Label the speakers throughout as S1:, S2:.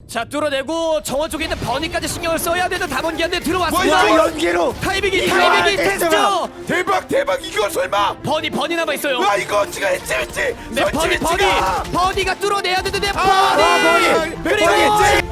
S1: 자 뚫어내고 정원 쪽에 있는 버니까지 신경을 써야 되는 담원기한테 들어왔습니다.
S2: 뭐야 연계로
S1: 타이밍이 테스트.
S2: 대박 이거 설마
S1: 버니 남아 있어요.
S2: 와 이거 지가 했지
S1: 네, 버니가 뚫어내야 되는데 버니. 그리고
S2: 했지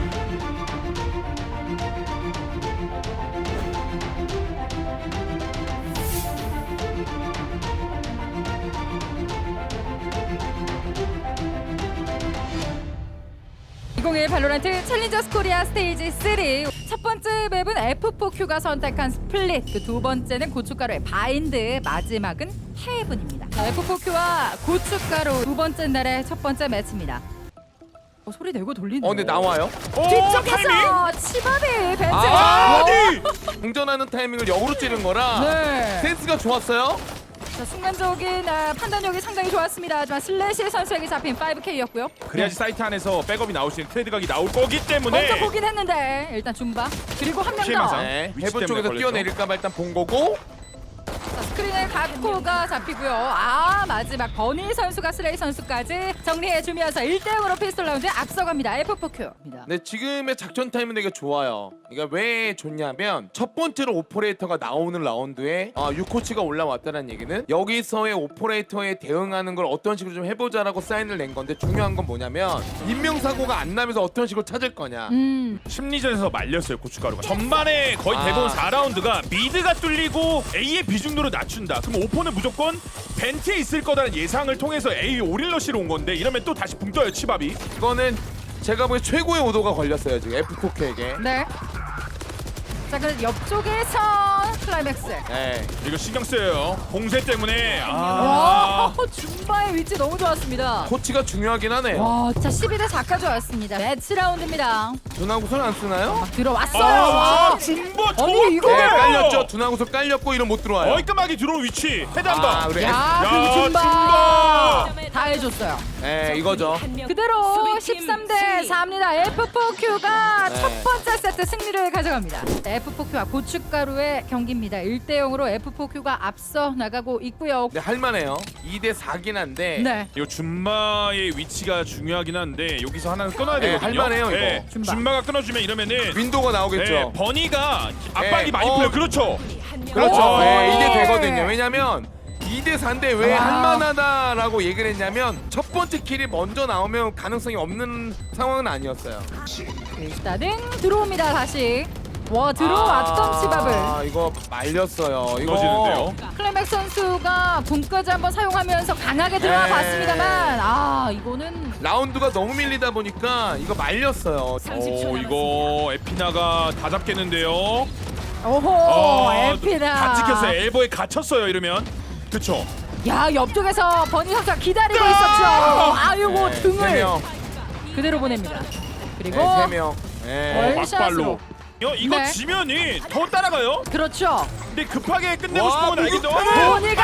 S3: 발로란트 챌린저스 코리아 스테이지 3 첫 번째 맵은 F4Q가 선택한 스플릿, 그 두 번째는 고춧가루의 바인드, 마지막은 헤븐입니다. F4Q와 고춧가루 두 번째 날의 첫 번째 매치입니다. 소리 내고 돌리네.
S2: 근데 나와요?
S3: 뒤쪽에서 치밥이 벤츠.
S2: 아니 공전하는 타이밍을 역으로 찌른 거라
S3: 네.
S2: 센스가 좋았어요.
S3: 자, 순간적인 판단력이 상당히 좋았습니다. 하지만 슬래시 선수에게 잡힌 5K였고요.
S4: 그래야지 사이트 안에서 백업이 나올 수 있는 트레이드각이 나올 거기 때문에
S3: 먼저 보긴 했는데 일단 줌바 그리고 한 명
S4: 피해망상.
S3: 더.
S2: 네,
S4: 위치
S2: 해본
S4: 때문에
S2: 쪽에서
S4: 걸렸죠?
S2: 뛰어내릴까봐 일단 본 거고.
S3: 자, 스크린에 가코가 잡히고요. 마지막 버니 선수가 슬레이 선수까지 정리해주면서 1대0으로 피스톨 라운드에 앞서갑니다. F4Q입니다.
S2: 네, 지금의 작전 타임은 되게 좋아요. 그러니까 왜 좋냐면 첫 번째로 오퍼레이터가 나오는 라운드에 6코치가 올라왔다는 얘기는 여기서의 오퍼레이터에 대응하는 걸 어떤 식으로 좀 해보자라고 사인을 낸 건데 중요한 건 뭐냐면 인명사고가 안 나면서 어떤 식으로 찾을 거냐.
S4: 심리전에서 말렸어요 고춧가루가. 전반에 거의 대부분 4라운드가 미드가 뚫리고 A의 비중도를 낮춘다. 그럼 오퍼는 무조건 벤트에 있을 거다라는 예상을 통해서 A 오릴러시로 온 건데 이러면 또 다시 붕 떠요 치밥이.
S2: 이거는 제가 보기엔 최고의 오도가 걸렸어요 지금 F4K에게.
S3: 네. 자, 그 옆쪽에서 클라이맥스.
S2: 네.
S4: 이거 신경 쓰여요. 공세 때문에.
S3: 와, 줌바의 위치 너무 좋았습니다.
S2: 코치가 중요하긴 하네요.
S3: 와, 자 12대 4까지 왔습니다. 매치 라운드입니다.
S2: 두나구슬 안 쓰나요?
S3: 들어왔어요. 와.
S4: 중보
S3: 아니, 이거
S2: 네, 깔렸죠. 두나구슬 깔렸고 이런 못 들어와요.
S4: 깔끔하게 들어온 위치. 헤드 한 번.
S2: 그래.
S3: 야,
S4: 야,
S3: 그 줌바
S4: 줌바.
S3: 다 해줬어요.
S2: 네, 이거죠.
S3: 그대로 13대 4입니다. F4Q가
S2: 네.
S3: 첫 번째 세트 승리를 가져갑니다. F4Q와 고춧가루의 경기입니다. 1대0으로 F4Q가 앞서 나가고 있고요.
S2: 네, 할만해요. 2대 4긴 한데.
S3: 네.
S4: 이 줌바의 위치가 중요하긴 한데 여기서 하나는 끊어야
S2: 네,
S4: 되거든요.
S2: 할만해요, 이거.
S3: 줌바.
S4: 줌바가 끊어주면 이러면은
S2: 윈도우가 나오겠죠.
S4: 네, 버니가 압박이
S2: 네,
S4: 많이 풀려. 그렇죠.
S2: 그렇죠.
S4: 오.
S2: 네, 이게 되거든요. 왜냐면 2대 4인데 왜
S3: 와.
S2: 할만하다라고 얘기를 했냐면 첫 번째 킬이 먼저 나오면 가능성이 없는 상황은 아니었어요.
S3: 일단은 들어옵니다. 다시. 와, 들어왔던 치밥을.
S2: 이거 말렸어요. 이거
S4: 끊어지는데요.
S3: 클라이맥 선수가 분까지 한번 사용하면서 강하게 들어와
S2: 네.
S3: 봤습니다만 이거는
S2: 라운드가 너무 밀리다 보니까 이거 말렸어요.
S4: 오 이거 에피나가 다 잡겠는데요.
S3: 오호 에피나
S4: 다 찍혔어요. 엘보에 갇혔어요. 이러면 그쵸.
S3: 야, 옆쪽에서 버니 선수가 기다리고 있었죠. 아이고
S2: 네,
S3: 등을
S2: 3명.
S3: 그대로 보냅니다. 그리고
S2: 네, 3명. 네.
S4: 막발로. 이거
S3: 네.
S4: 지면이 더 따라가요.
S3: 그렇죠.
S4: 근데 급하게 끝내고
S2: 와,
S4: 싶은 건 알겠죠.
S3: 버니가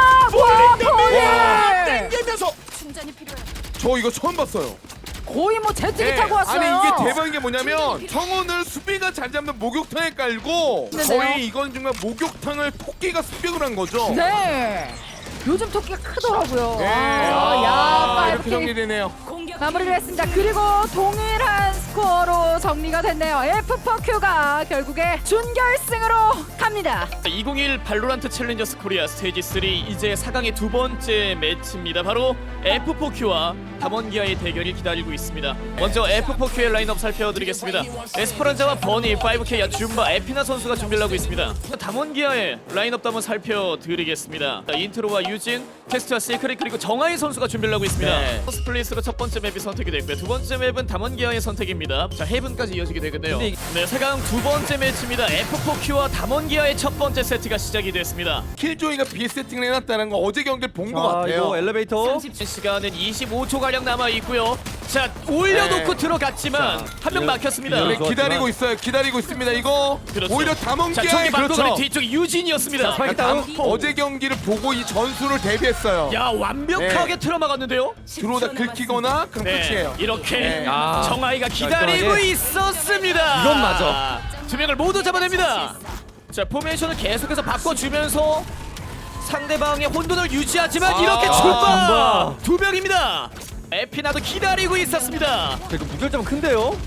S4: 와,
S3: 버니
S4: 땡기면서
S2: 저 이거 처음 봤어요.
S3: 거의 뭐 제트기
S2: 네.
S3: 타고 왔어요.
S2: 아니 이게 대박인 게 뭐냐면 청원을 수비가 잘 잡는 목욕탕에 깔고
S3: 네네요.
S2: 거의 이건 정말 목욕탕을 토끼가 습격을 한 거죠.
S3: 네. 요즘 토끼가 크더라고요.
S2: 네.
S3: 야,
S2: 이렇게
S3: 5K
S2: 정리되네요.
S3: 마무리를 했습니다. 그리고 동일한 스코어로 정리가 됐네요. F4Q가 결국에 준결승으로 갑니다.
S1: 2021 발로란트 챌린저스 코리아 스테이지 3 이제 4강의 두 번째 매치입니다. 바로 F4Q와 담원기아의 대결이 기다리고 있습니다. 먼저 F4Q의 라인업 살펴드리겠습니다. 에스퍼란자와 버니, 5K와 줌바, 에피나 선수가 준비를 하고 있습니다. 담원기아의 라인업도 한번 살펴드리겠습니다. 인트로와 유진, 테스트와 시크릿 그리고 정하이 선수가 준비를 하고 있습니다.
S2: 네.
S1: 스플릿으로 첫 번째 맵이 선택이 됐고요. 두 번째 맵은 담원기아의 선택입니다. 자, 헤븐까지 이어지게 되겠네요. 네, 4강 두 번째 매치입니다. F4Q와 담원기아의 첫 번째 세트가 시작이 됐습니다.
S2: 킬조이가 비세팅을 해놨다는 거 어제 경기를 본 것 같아요.
S5: 이거 엘리베이터
S1: 시간은 25초 가량 남아 있고요. 자, 올려놓고
S2: 네.
S1: 들어갔지만 한 명 막혔습니다.
S2: 네,
S5: 좋았지만.
S2: 기다리고 있어요. 기다리고 있습니다. 이거
S1: 그렇죠.
S2: 오히려
S1: 자,
S2: 담원기아의
S1: 저기 방금
S2: 그렇죠.
S1: 뒤쪽이 유진이었습니다.
S5: 스파이크
S2: 담-
S5: 다운.
S2: 어제 경기를 보고 이 전술을 대비했어요.
S1: 야, 완벽하게 틀어막았는데요.
S2: 들어오다 긁히거나 그럼 끝이에요.
S1: 이렇게
S2: 네.
S1: 정아이가 기다리고
S5: 깔끔하게.
S1: 있었습니다.
S5: 이건 맞아.
S1: 두 명을 모두 잡아냅니다. 자, 포메이션을 계속해서 바꿔주면서 상대방의 혼돈을 유지하지만 이렇게 출발
S5: 줌바.
S1: 두 명입니다. 에피나도 기다리고 있었습니다.
S5: 자, 이거 무결점 큰데요?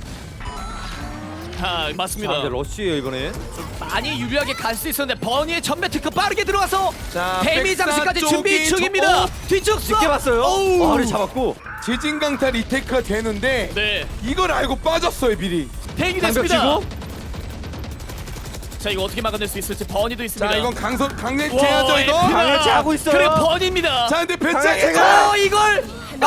S1: 아
S5: 자,
S1: 맞습니다.
S5: 이제 러쉬예요 이번엔.
S1: 많이 유리하게 갈 수 있었는데 버니의 전매 특허 빠르게 들어와서
S2: 자,
S1: 데미
S2: 백사
S1: 장식까지
S2: 쪽이
S1: 준비 중입니다. 뒤쪽
S5: 쉽게 봤어요.
S1: 어우.
S5: 아를 잡았고.
S2: 지진강타 리테크가 되는데
S1: 네,
S2: 이걸 알고 빠졌어요 미리.
S1: 대기
S5: 장벽
S1: 됐습니다.
S5: 치고.
S1: 자 이거 어떻게 막아낼 수 있을지 버니도 있습니다.
S2: 자 이건 강력히
S1: 와,
S2: 해야죠 이거.
S1: 에피나.
S5: 강력히 하고 있어요.
S1: 그래 버니입니다.
S2: 자 근데
S5: 강력히가.
S1: 이걸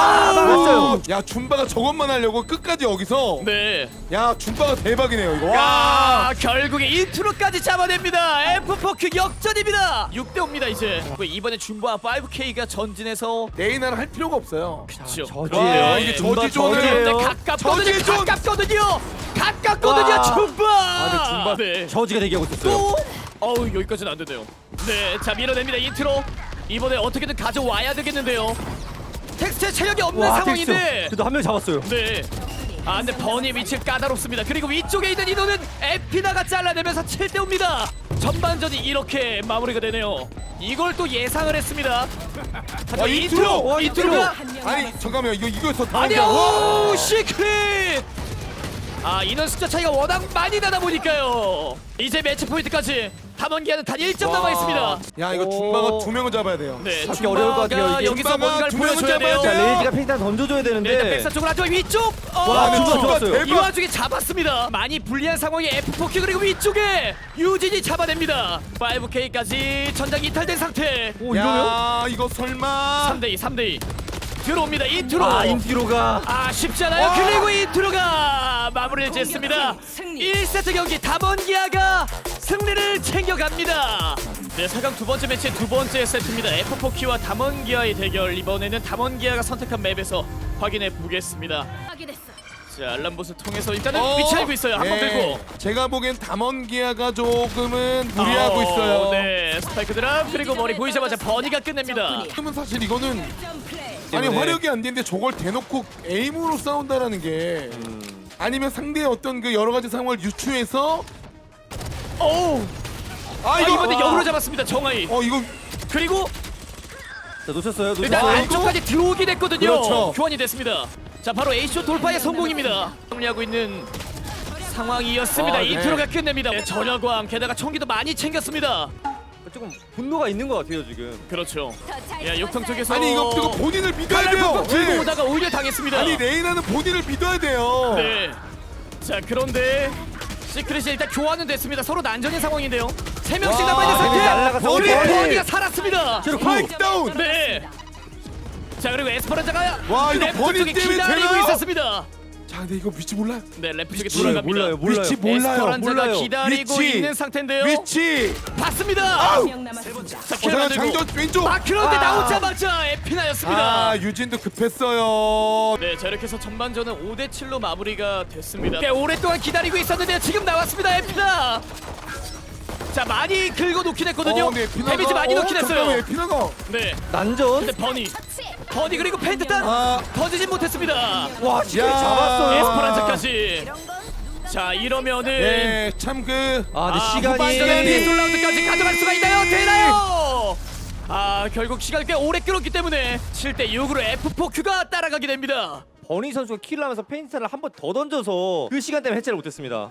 S5: 막았어요.
S2: 야 줌바가 저것만 하려고 끝까지 여기서.
S1: 네.
S2: 야 줌바가 대박이네요 이거. 와.
S1: 아 결국에 인트로까지 잡아냅니다. F4Q 역전입니다. 6대5입니다 이제. 이번에 줌바 5K가 전진해서
S2: 레이나를 할 필요가 없어요.
S1: 그렇죠.
S5: 저지예요.
S2: 와, 이게
S5: 줌바
S2: 저지존을-
S5: 저지예요.
S1: 가깝거든요.
S2: 저지 좀-
S1: 가깝거든요. 가깝거든요.
S5: 와.
S1: 줌바.
S2: 근데 줌바-
S1: 네.
S5: 저지가 대기하고 있었어요.
S1: 또 어우 여기까지는 안 되네요. 네, 자 밀어냅니다 인트로. 이번에 어떻게든 가져와야 되겠는데요. 텍스트에 체력이 없는 상황인데.
S5: 그래도 한 명 잡았어요.
S1: 네. 아 근데 버니 위치 까다롭습니다. 그리고 위쪽에 있는 인호는 에피나가 잘라내면서 7대5입니다. 전반전이 이렇게 마무리가 되네요. 이걸 또 예상을 했습니다.
S2: 와, 인트로!
S1: 인트로가
S2: 아니 잠깐만요 이거에서
S1: 아니요 시크릿. 아 인원 숫자 차이가 워낙 많이 나다 보니까요. 이제 매치 포인트까지 담원기한은 단 1점 남아 있습니다.
S2: 야 이거
S5: 오.
S2: 줌바가 2명을 잡아야 돼요.
S1: 네,
S5: 잡기 어려울 것 같아요, 이게.
S1: 여기서
S2: 줌바가
S1: 뭔가를
S2: 두 명을
S1: 보여줘야 돼요.
S2: 잡아야
S5: 자,
S2: 돼요.
S5: 레이지가 팽탄 던져줘야
S1: 네, 일단
S5: 되는데.
S1: 백사 쪽으로 하죠. 위쪽.
S5: 와,
S2: 근데
S5: 줌바 좋았어요.
S2: 대박.
S1: 이 와중에 잡았습니다. 많이 불리한 상황에 F4Q 그리고 위쪽에 유진이 잡아냅니다. 5K까지 전장 이탈된 상태.
S5: 오, 이러면?
S2: 야 이거 설마
S1: 3대2 3대2 들어옵니다. 인트로.
S5: 아, 인티로가.
S1: 아 쉽지 않아요.
S2: 와.
S1: 그리고 인트로가 마무리를 짓습니다. 1세트 경기 담원기아가 승리를 챙겨갑니다. 네, 4강 두 번째 매치의 두 번째 세트입니다. F4Q와 담원기아의 대결. 이번에는 담원기아가 선택한 맵에서 확인해 보겠습니다. 자, 알람봇을 통해서 일단은 위치 알고 있어요. 한번 들고.
S2: 제가 보기엔 담원기아가 조금은 무리하고 있어요.
S1: 네, 스파이크 드랍 그리고 머리 보이자마자 버니가 끝냅니다.
S2: 그러면 사실 이거는 아니
S5: 때문에.
S2: 화력이 안 되는데 저걸 대놓고 에임으로 싸운다라는 게 아니면 상대의 어떤 그 여러 가지 상황을 유추해서
S1: 오우. 아
S2: 이거-
S1: 이번에 역으로 잡았습니다. 정하이.
S2: 이거
S1: 그리고
S5: 자, 놓쳤어요.
S1: 일단
S5: 놓쳤어요.
S1: 안쪽까지 들어오긴 했거든요.
S2: 그렇죠.
S1: 교환이 됐습니다. 자 바로 A쇼 돌파의 성공입니다. 정리하고 있는 상황이었습니다.
S2: 아, 네.
S1: 인트로가 끝냅니다. 네, 전여광 게다가 총기도 많이 챙겼습니다.
S5: 조금 분노가 있는 것 같아요 지금.
S1: 그렇죠. 야 욕탕 쪽에서
S2: 아니 이거 본인을 믿어야
S1: 칼날
S2: 돼요.
S1: 팍팍 들고
S2: 네.
S1: 오다가 오히려 당했습니다.
S2: 아니 레이나는 본인을 믿어야 돼요.
S1: 네. 자 그런데 시크릿이 일단 교환은 됐습니다. 서로 난전인 상황인데요. 3명씩
S2: 와,
S1: 남아있는
S5: 데미
S1: 상태.
S5: 날라가서
S1: 우리
S2: 버니!
S1: 버니가 살았습니다.
S2: 스파이크 다운.
S1: 네. 자 그리고 에스퍼란자가
S2: 와, 이거
S1: 램프
S2: 버니
S1: 쪽에
S2: 때문에
S1: 기다리고
S2: 되나요?
S1: 있었습니다.
S2: 자 근데 이거 위치 몰라요.
S1: 네 램프 쪽에
S5: 몰라요,
S1: 들어갑니다.
S5: 몰라요, 몰라요.
S2: 위치 몰라요.
S1: 에스퍼란자가
S5: 몰라요.
S1: 기다리고
S2: 위치.
S1: 있는 상태인데요.
S2: 위치.
S1: 봤습니다.
S2: 아우.
S1: 자
S2: 잠깐
S1: 만들고.
S2: 장전 왼쪽.
S1: 아 그런데
S2: 아.
S1: 나오자마자 에피나였습니다.
S2: 아 유진도 급했어요.
S1: 네, 자 이렇게 해서 전반전은 5대7로 마무리가 됐습니다. 꽤 오랫동안 기다리고 있었는데 지금 나왔습니다, 에피나. 자 많이 긁어놓긴 했거든요.
S2: 근데 에피나가
S1: 데미지 많이 넣긴
S2: 잠깐만,
S1: 했어요.
S2: 에피나가
S1: 네,
S5: 난전.
S1: 근데 버니 그리고 펜트탄
S2: 아.
S1: 터지진 못했습니다.
S5: 와, 시크릿
S2: 야.
S5: 잡았어요.
S1: 에스퍼란자까지. 자 이러면은
S2: 네, 참 그
S5: 아, 근데 시간이.
S1: 후반전에 비에솔 라운드까지 가져갈 수가 있나요? 되나요? 아 결국 시간을 꽤 오래 끌었기 때문에 7대6으로 F4Q가 따라가게 됩니다.
S5: 버니 선수가 킬을 하면서 페인트를 한 번 더 던져서 그 시간 때문에 해체를 못했습니다.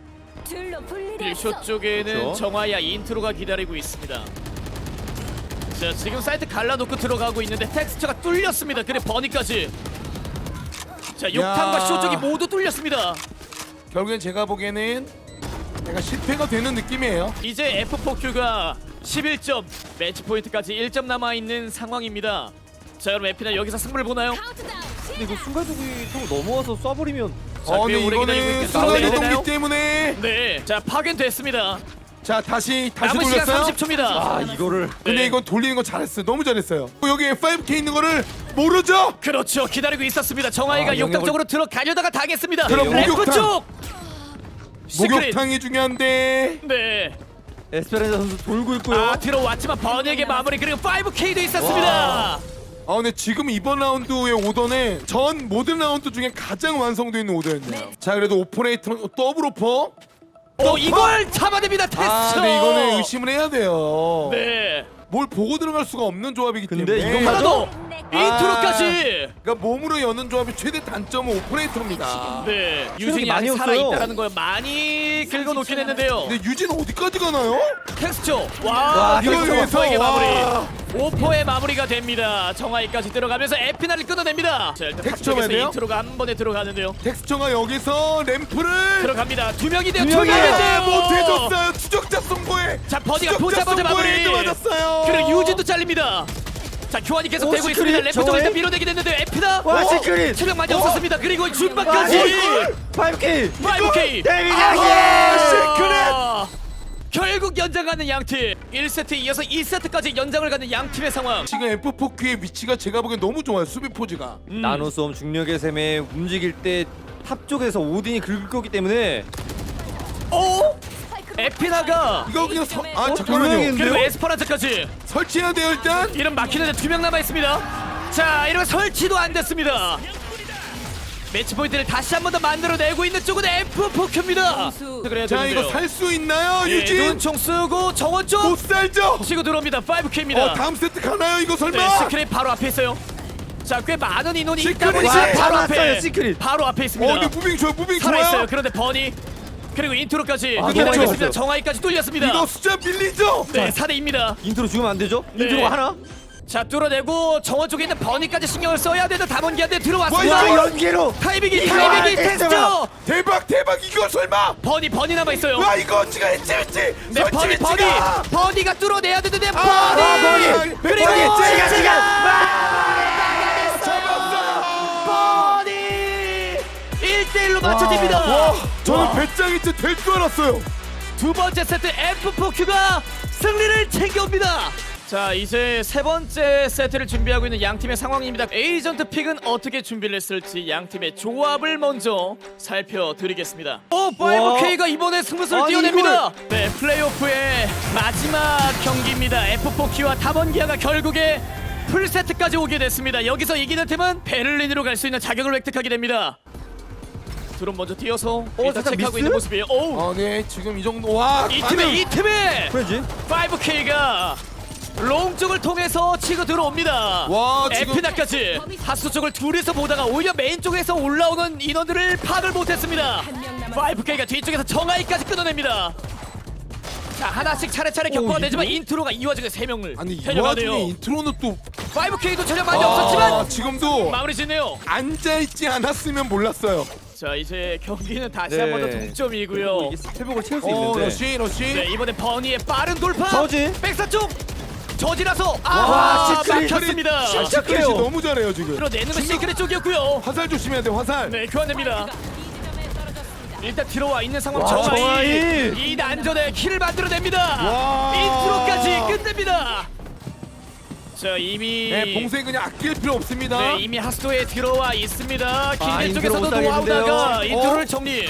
S1: 빌쇼 쪽에는
S5: 그렇죠.
S1: 정화야 인트로가 기다리고 있습니다. 자 지금 사이트 갈라놓고 들어가고 있는데 텍스처가 뚫렸습니다. 그래 버니까지. 자 욕탕과
S2: 야.
S1: 쇼 쪽이 모두 뚫렸습니다.
S2: 결국엔 제가 보기에는 약간 실패가 되는 느낌이에요.
S1: 이제 F4Q가 11점 매치 포인트까지 1점 남아있는 상황입니다. 자 여러분 에피나 여기서 승부를 보나요?
S5: 근데 이거 순간적으로 넘어와서 쏴버리면.
S1: 자, 꽤
S2: 근데
S1: 오래 기다리고
S2: 이거는
S1: 있겠다.
S2: 순간
S1: 나와야 되나요?
S2: 이동기 때문에
S1: 네, 자 파견됐습니다.
S2: 자 다시
S1: 남은 시간
S2: 돌렸어요.
S1: 30초입니다.
S5: 아, 이거를.
S2: 근데
S1: 네.
S2: 이건 돌리는 거 잘했어요. 너무 잘했어요. 여기 5K 있는 거를 모르죠?
S1: 그렇죠. 기다리고 있었습니다. 정하이가
S2: 아,
S1: 욕탕
S2: 영역을-
S1: 쪽으로 들어가려다가 당했습니다.
S2: 그럼
S1: 램프
S2: 목욕탕.
S1: 쪽. 시크릿.
S2: 목욕탕이 중요한데.
S1: 네.
S5: 에스페란자 선수 돌고 있고요.
S1: 아 들어왔지만 번역의 마무리 그리고 5K도 있었습니다.
S2: 근데 지금 이번 라운드의 오더는 전 모든 라운드 중에 가장 완성도 있는 오더였네요. 자 그래도 오퍼레이터는 더블 오퍼.
S1: 이걸 잡아냅니다. 테스트.
S2: 근데 이거는 의심을 해야 돼요.
S1: 네.
S2: 뭘 보고 들어갈 수가 없는 조합이기
S5: 근데
S2: 때문에.
S5: 이건
S1: 하나 더. 인트로까지.
S2: 그러니까 몸으로 여는 조합의 최대 단점은 오퍼레이터입니다.
S1: 네, 유진이
S5: 많이
S1: 아직 살아
S5: 없어요.
S1: 있다라는 걸 많이 긁어놓긴 했는데요.
S2: 근데 유진 어디까지 가나요?
S1: 텍스처. 와,
S5: 와,
S2: 이걸
S1: 텍스처
S2: 위해서,
S1: 오퍼에게 마무리.
S2: 와.
S1: 오퍼의 마무리가 됩니다. 정하이까지 들어가면서 에피나를 끊어냅니다. 자, 일단
S2: 텍스처
S1: 탑쪽에서
S2: 해야 돼요?
S1: 인트로가 한 번에 들어가는데요.
S2: 텍스처가 여기서 램프를
S1: 들어갑니다. 두 명인데요.
S5: 두
S1: 두
S5: 명이에요.
S1: 명인데요.
S2: 못해줬어요. 추적자 선고에.
S1: 자, 버디가
S2: 추적자
S1: 보자마자 마무리.
S2: 선고에 맞았어요.
S1: 그리고 유진도 잘립니다. 자, 교환이 계속
S5: 오,
S1: 되고
S5: 시크릿.
S1: 있습니다. 램프 쪽에서
S5: 저거에?
S1: 밀어내게 됐는데 에피나.
S5: 와, 시크릿.
S1: 체력 많이 없었습니다. 그리고 준바까지.
S5: 5K
S1: 5K.
S5: 데뷔작이
S1: 시크릿. 결국 연장하는 양팀. 1세트 이어서 2세트까지 연장을 가는 양팀의 상황.
S2: 지금 F4Q의 위치가 제가 보기엔 너무 좋아요. 수비 포즈가.
S5: 나노솜 중력의 셈에 움직일 때 탑 쪽에서 오딘이 긁을 거기 때문에
S1: 오! 에피나가
S2: 이거 그냥
S5: 두
S2: 잠깐만요.
S5: 명인데요?
S1: 그리고 에스퍼란자까지.
S2: 설치해야 돼요 일단.
S1: 이름 막히는데 2명 남아 있습니다. 자, 이러면 설치도 안 됐습니다. 매치 포인트를 다시 한 번 더 만들어내고 있는 쪽은 F4Q입니다. 그래야
S2: 자
S1: 되는데요.
S2: 이거 살 수 있나요
S1: 예,
S2: 유진?
S1: 눈총 쓰고 정원 쪽
S2: 못 살죠?
S1: 치고 들어옵니다. 5K입니다.
S2: 다음 세트 가나요 이거 설마?
S1: 네, 시크릿 바로 앞에 있어요. 자, 꽤 많은 인원이 있다
S2: 시크릿!
S1: 보니까
S2: 와,
S1: 바로 앞에
S5: 잡았어요, 시크릿.
S1: 바로 앞에 있습니다.
S2: 근데 무빙 좋아요. 무빙
S1: 살아있어요.
S2: 좋아요.
S1: 그런데 버니 그리고 인트로까지
S5: 아,
S1: 기다리겠습니다.
S5: 너무
S1: 정하이까지 뚫렸습니다.
S2: 이거 숫자 밀리죠?
S1: 네, 4대2입니다.
S5: 인트로 죽으면 안 되죠?
S1: 네.
S5: 인트로가 하나?
S1: 자, 뚫어내고 정원 쪽에 있는 버니까지 신경을 써야 되는 담원기한테
S2: 와,
S1: 들어왔습니다.
S2: 이거
S5: 연계로
S1: 타이밍이
S5: 이거
S1: 테스트.
S2: 대박 이거 설마?
S1: 버니 남아 있어요.
S2: 와 이거 지가 했지
S1: 네, 버니 버니가 뚫어내야 되는데 버니
S2: 버니!
S1: 그리고
S2: 버니,
S1: 버니 1대1로 맞춰집니다.
S2: 와 저는 배짱이 진짜 될 줄 알았어요.
S1: 두 번째 세트 F4Q가 승리를 챙겨옵니다. 자, 이제 세 번째 세트를 준비하고 있는 양 팀의 상황입니다. 에이전트 픽은 어떻게 준비를 했을지 양 팀의 조합을 먼저 살펴드리겠습니다. 오, 5K가 이번에 승부수를
S5: 아니,
S1: 띄워냅니다. 네, 플레이오프의 마지막 경기입니다. F4Q와 담원기아가 결국에 풀세트까지 오게 됐습니다. 여기서 이기는 팀은 베를린으로 갈 수 있는 자격을 획득하게 됩니다. 드론 먼저 뛰어서 일단
S5: 살짝
S1: 체크하고
S5: 미스?
S1: 있는 모습이에요. 오,
S2: 네 지금 이 정도 와
S1: 이 팀의
S5: 그래지?
S1: 5K가 롱 쪽을 통해서 치고 들어옵니다.
S2: 와, 지금-
S1: 에피나까지 하수 쪽을 둘이서 보다가 오히려 메인 쪽에서 올라오는 인원들을 파악을 못했습니다. 5K가 뒤쪽에서 정하이까지 끊어냅니다. 자, 하나씩 차례차례 격파가 되지만 인트로가 이 와중에 3명을
S2: 아니 이
S1: 데려가네요.
S2: 와중에 인트로는 또
S1: 5K도 전혀 많이 없었지만
S2: 지금도
S1: 마무리 짓네요.
S2: 앉아있지 않았으면 몰랐어요.
S1: 자, 이제 경기는 다시
S5: 네.
S1: 한 번 더 동점이고요.
S5: 이게 회복을 채울 수 있는데
S2: 러시
S1: 네, 이번에 버니의 빠른 돌파.
S5: 저지?
S1: 백사 쪽 저지라서
S5: 와, 시크릿.
S1: 막혔습니다.
S2: 시크릿이 너무 잘해요 지금.
S1: 끌어내는 건 시크릿 쪽이었고요.
S2: 화살 조심해야 돼 화살.
S1: 네, 교환됩니다. 일단 들어와 있는 상황
S5: 와,
S1: 정하이
S5: 정하이.
S1: 이 난전에 킬을 만들어냅니다.
S2: 와.
S1: 인트로까지 끝냅니다. 자, 이미
S2: 네 봉쇄 그냥 아낄 필요 없습니다.
S1: 네, 이미 하수도에 들어와 있습니다. 길게
S5: 인트로
S1: 쪽에서도
S5: 못 살리는데요.
S1: 노하우다가 인트로를 정리.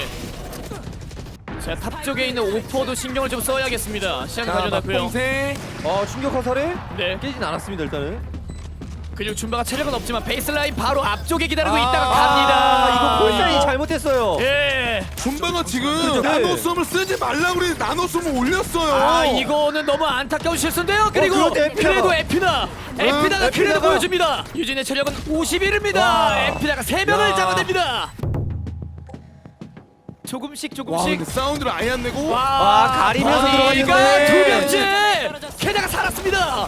S1: 자, 탑 쪽에 있는 오퍼도 신경을 좀 써야겠습니다. 시간 가져놨고요.
S2: 봉쇄.
S5: 충격 화살에
S1: 네,
S5: 깨진 않았습니다 일단은.
S1: 근육 준바가 체력은 없지만 베이스라인 바로 앞쪽에 기다리고
S2: 아,
S1: 있다가 갑니다.
S5: 이거 콜사인이 잘못했어요.
S1: 예.
S2: 준바가 지금
S5: 그렇죠.
S2: 나노솜을 쓰지 말라고 그래 나노솜을 올렸어요.
S1: 아, 이거는 너무 안타까운 실수인데요. 그리고
S5: 그런데 에피나가.
S1: 그래도 에피나가 그래도
S5: 에피나가.
S1: 보여줍니다. 유진의 체력은 51입니다.
S2: 와.
S1: 에피나가 3명을
S2: 야.
S1: 잡아냅니다. 조금씩
S2: 와 근데
S1: 조금씩.
S2: 사운드를 아예 안 내고.
S5: 와, 가리면서
S1: 버니가
S5: 들어갔는데.
S1: 두 명째 게다가 살았습니다.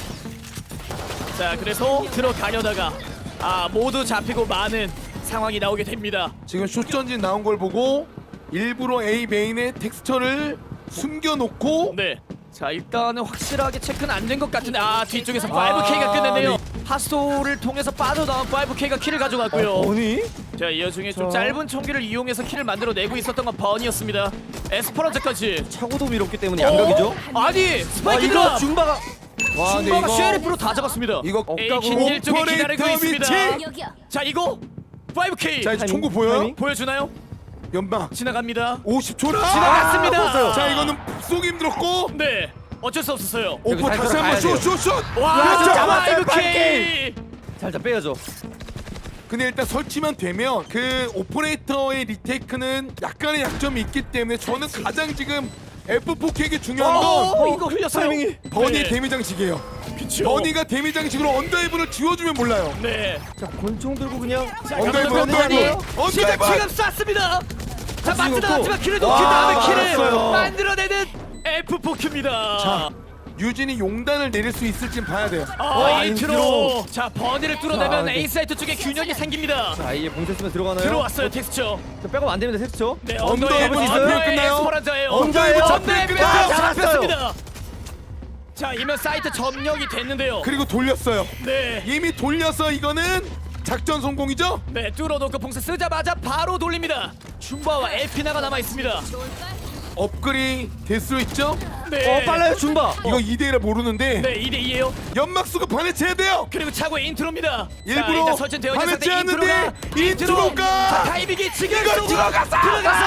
S1: 자, 그래서 들어가려다가 모두 잡히고 많은 상황이 나오게 됩니다.
S2: 지금 숏전진 나온 걸 보고 일부러 A 메인의 텍스처를 숨겨놓고
S1: 네. 자, 일단은 확실하게 체크는 안 된 것 같은데 뒤쪽에서 5K가 끝냈네요. 하스토를 통해서 빠져나온 5K가 킬을 가져갔고요.
S5: 버니?
S1: 자, 이 와중에 좀
S5: 자.
S1: 짧은 총기를 이용해서 킬을 만들어내고 있었던 건 버니였습니다. 에스퍼란자까지.
S5: 차고도 밀었기 때문에 양각이죠.
S1: 아니, 스파이크
S5: 이거
S1: 드랍!
S5: 준바가
S2: 와 근데
S1: 준바가
S2: 이거
S1: 쉐리프로 다 잡았습니다.
S2: 이거
S1: 에이킨 일 쪽에 기다리고
S2: 오퍼레이터
S1: 있습니다.
S2: 위치.
S1: 자, 이거 5K
S2: 자 이제 총구 보여요?
S5: 타이밍?
S1: 보여주나요?
S2: 연막
S1: 지나갑니다.
S2: 50초라.
S1: 지나갔습니다.
S2: 자 이거는 쏘기 힘들었고
S1: 네, 어쩔 수 없었어요.
S2: 오퍼
S5: 잘
S2: 다시 한번
S5: 들어가야 돼요.
S2: 슛슛슛.
S1: 와,
S5: 그렇죠.
S1: 5K!
S5: 살짝 빼야죠.
S2: 근데 일단 설치만 되면 그 오퍼레이터의 리테이크는 약간의 약점이 있기 때문에 저는 가장 지금 F4K에게 중요한 건
S1: 이거 흘렸어요.
S5: 타이밍이.
S2: 버니의
S1: 네.
S2: 데미장식이에요.
S1: 그쵸.
S2: 버니가 데미 장식으로 언더헤븐을 지워주면 몰라요.
S1: 네.
S5: 자 권총 들고 그냥
S1: 자,
S2: 언더헤븐,
S1: 감독님
S2: 언더헤븐,
S1: 시작
S2: 언더헤븐.
S1: 지금 쐈습니다. 자 맞지도
S5: 없고.
S1: 않았지만 킬을 놓긴
S5: 와,
S1: 다음에 킬을
S5: 알았어요.
S1: 만들어내는 F4Q입니다.
S2: 자, 유진이 용단을 내릴 수 있을진 봐야 돼요.
S1: 인트로. 자 버니를 뚫어내면
S5: 자,
S1: A 사이트 쪽에 균형이 생깁니다.
S5: 자 아예 봉쇄 쓰면 들어가나요?
S1: 들어왔어요 텍스처.
S5: 자, 백업 안 됩니다 텍스처.
S1: 네
S2: 언더헤븐
S1: 언더헤븐
S2: 잡히면 끝나요?
S1: 에스퍼란자예요.
S2: 언더헤븐 잡히면
S1: 언더헤븐
S2: 끝나요?
S1: 잡혔습니다. 자 이면 사이트 점령이 됐는데요.
S2: 그리고 돌렸어요.
S1: 네.
S2: 이미 돌려서 이거는 작전 성공이죠?
S1: 네 뚫어놓고 봉쇄 쓰자마자 바로 돌립니다. 줌바와 에피나가 남아 있습니다.
S2: 업글이 될 수 있죠?
S1: 네.
S5: 빨라요 줌바.
S2: 이거 2대1을 모르는데
S1: 네 2대2에요.
S2: 연막수가 반해쳐야 돼요.
S1: 그리고 차고의 인트로입니다.
S2: 일부러
S1: 자, 일단 설정되어 있는 상태
S2: 반해치는데 인트로가
S1: 자 타이밍이 지금
S2: 이걸
S1: 속으로
S2: 들어가서!
S1: 들어가서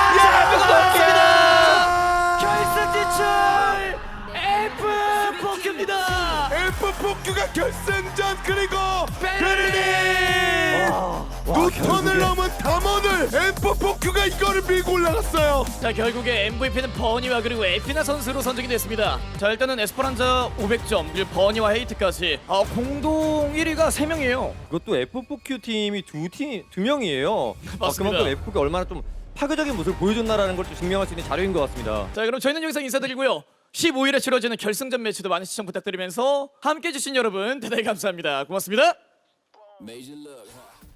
S2: 야,
S1: 결승 진출 F4Q입니다.
S2: F4Q가 결승전 그리고
S1: 베르디.
S2: 두 턴을 넘은 담원을 F4Q가 이거를 밀고 올라갔어요.
S1: 자 결국에 MVP는 버니와 그리고 에피나 선수로 선정이 됐습니다. 자 일단은 에스퍼란자 500점 그리고 버니와 헤이트까지 공동 1위가 3명이에요.
S5: 이것도 F4Q 팀이 두 명이에요.
S1: 맞습니다.
S5: 그만큼 F4Q가 얼마나 좀 파괴적인 모습을 보여줬나라는 걸 좀 증명할 수 있는 자료인 것 같습니다.
S1: 자 그럼 저희는 여기서 인사드리고요. 15일에 치러지는 결승전 매치도 많은 시청 부탁드리면서 함께해 주신 여러분 대단히 감사합니다. 고맙습니다.
S6: Major look.